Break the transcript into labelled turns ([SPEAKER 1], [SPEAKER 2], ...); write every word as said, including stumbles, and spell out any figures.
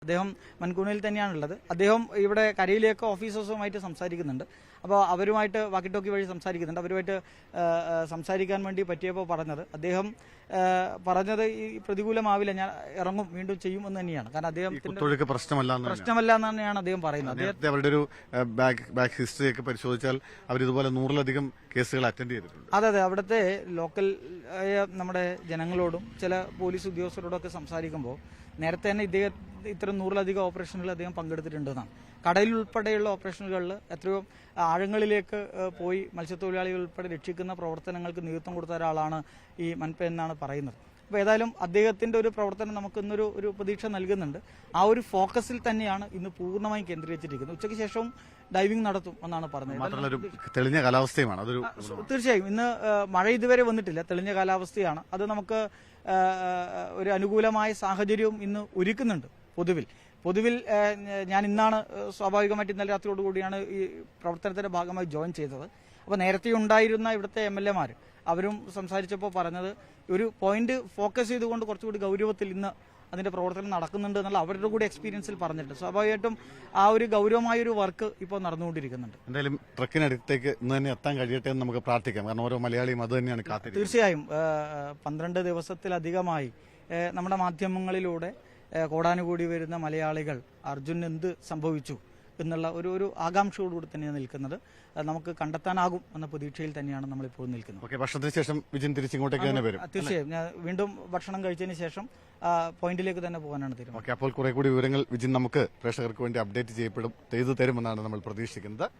[SPEAKER 1] അദ്ദേഹം മൻകൂണിൽ തന്നെയാണുള്ളത്. അദ്ദേഹം ഇവിടെ കരയിലേക്ക് ഓഫീസേഴ്സുമായിട്ട് സംസാരിക്കുന്നുണ്ട്. അപ്പോൾ അവരുമായിട്ട് വാക്കി ടോക്കി വഴി സംസാരിക്കുന്നുണ്ട്. അവരുമായിട്ട് സംസാരിക്കാൻ വേണ്ടി പറ്റിയപ്പോൾ പറഞ്ഞത് അദ്ദേഹം പറഞ്ഞത് ഈ പ്രതികൂലമാവില്ല, ഞാൻ ഇറങ്ങും, വീണ്ടും ചെയ്യും എന്ന് തന്നെയാണ്. കാരണം അദ്ദേഹത്തിന്റെ
[SPEAKER 2] പ്രശ്നമല്ല
[SPEAKER 1] പ്രശ്നമല്ല എന്ന് തന്നെയാണ് അദ്ദേഹം പറയുന്നത്.
[SPEAKER 2] അദ്ദേഹത്തെ അവരുടെ ഒരു ബാക്ക് ഹിസ്റ്ററി ഒക്കെ പരിശോധിച്ചാൽ അവർ ഇതുപോലെ നൂറിലധികം കേസുകൾ അറ്റൻഡ് ചെയ്തിട്ടുണ്ട്.
[SPEAKER 1] അതെ അതെ അവിടുത്തെ ലോക്കൽ നമ്മുടെ ജനങ്ങളോടും ചില പോലീസ് ഉദ്യോഗസ്ഥരോടും ഒക്കെ സംസാരിക്കുമ്പോൾ നേരത്തെ തന്നെ ഇദ്ദേഹം ഇത്തരം നൂറിലധികം ഓപ്പറേഷനുകളിൽ അദ്ദേഹം പങ്കെടുത്തിട്ടുണ്ടെന്നാണ്. കടലിൽ ഉൾപ്പെടെയുള്ള ഓപ്പറേഷനുകളിൽ എത്രയോ ആഴങ്ങളിലേക്ക് പോയി മത്സ്യത്തൊഴിലാളികൾ ഉൾപ്പെടെ രക്ഷിക്കുന്ന പ്രവർത്തനങ്ങൾക്ക് നേതൃത്വം കൊടുത്ത ഒരാളാണ് ഈ മൻപ എന്നാണ് പറയുന്നത്. അപ്പോൾ ഏതായാലും അദ്ദേഹത്തിന്റെ ഒരു പ്രവർത്തനം നമുക്ക് ഇന്നൊരു ഒരു പ്രതീക്ഷ നൽകുന്നുണ്ട്. ആ ഒരു ഫോക്കസിൽ തന്നെയാണ് ഇന്ന് പൂർണ്ണമായും കേന്ദ്രീകരിച്ചിരിക്കുന്നത്. ഉച്ചയ്ക്ക് ശേഷവും ഡൈവിംഗ് നടത്തും എന്നാണ് പറഞ്ഞത്.
[SPEAKER 2] തെളിഞ്ഞ കാലാവസ്ഥയുമാണ് അതൊരു
[SPEAKER 1] തീർച്ചയായും ഇന്ന് മഴ ഇതുവരെ വന്നിട്ടില്ല, തെളിഞ്ഞ കാലാവസ്ഥയാണ്. അത് നമുക്ക് ഒരു അനുകൂലമായ സാഹചര്യവും ഇന്ന് ഒരുക്കുന്നുണ്ട്. പൊതുവിൽ പൊതുവിൽ ഞാൻ ഇന്നാണ് സ്വാഭാവികമായിട്ട് ഇന്നലെ രാത്രിയോടുകൂടിയാണ് ഈ പ്രവർത്തനത്തിന്റെ ഭാഗമായി ജോയിൻ ചെയ്തത്. അപ്പോൾ നേരത്തെ ഉണ്ടായിരുന്ന ഇവിടുത്തെ എം എൽ എമാർ അവരും സംസാരിച്ചപ്പോൾ പറഞ്ഞത് ഒരു പോയിന്റ് ഫോക്കസ് ചെയ്തുകൊണ്ട് കുറച്ചുകൂടി ഗൗരവത്തിൽ ഇന്ന് അതിന്റെ പ്രവർത്തനം നടക്കുന്നുണ്ട് എന്നുള്ള അവരുടെ കൂടി എക്സ്പീരിയൻസിൽ പറഞ്ഞിട്ടുണ്ട്. സ്വാഭാവികമായിട്ടും ആ ഒരു ഗൗരവമായ ഒരു വർക്ക് ഇപ്പോൾ നടന്നുകൊണ്ടിരിക്കുന്നുണ്ട്.
[SPEAKER 2] എന്തായാലും ട്രക്കിനടുത്തേക്ക് ഇന്ന് തന്നെ എത്താൻ കഴിയട്ടെ എന്ന് നമുക്ക് പ്രാർത്ഥിക്കാം. കാരണം ഓരോ മലയാളിയും അത് തന്നെയാണ് കാത്തിരിക്കുന്നത്.
[SPEAKER 1] തീർച്ചയായും പന്ത്രണ്ട് ദിവസത്തിലധികമായി നമ്മുടെ മാധ്യമങ്ങളിലൂടെ കോടാനുകൂടി വരുന്ന മലയാളികൾ അർജുൻ എന്ത് സംഭവിച്ചു എന്നുള്ള ഒരു ഒരു ആകാംക്ഷയോടുകൂടി തന്നെയാണ് നിൽക്കുന്നത്. നമുക്ക് കണ്ടെത്താനാകും എന്ന പ്രതീക്ഷയിൽ തന്നെയാണ് നമ്മളിപ്പോൾ നിൽക്കുന്നത്.
[SPEAKER 2] ഓക്കെ, ഭക്ഷണത്തിന് ശേഷം വിജിൻ തിരിച്ചിങ്ങോട്ടേക്ക് തന്നെ വരും.
[SPEAKER 1] തീർച്ചയായും ഞാൻ വീണ്ടും ഭക്ഷണം കഴിച്ചതിന് ശേഷം പോയിന്റിലേക്ക് തന്നെ പോകാനാണ് തീരുമാനം.
[SPEAKER 2] ഓക്കെ, അപ്പോൾ കുറെ കൂടി വിവരങ്ങൾ വിജിൻ നമുക്ക് പ്രേക്ഷകർക്ക് വേണ്ടി അപ്ഡേറ്റ് ചെയ്യപ്പെടും ചെയ്തു തരുമെന്നാണ് നമ്മൾ പ്രതീക്ഷിക്കുന്നത്.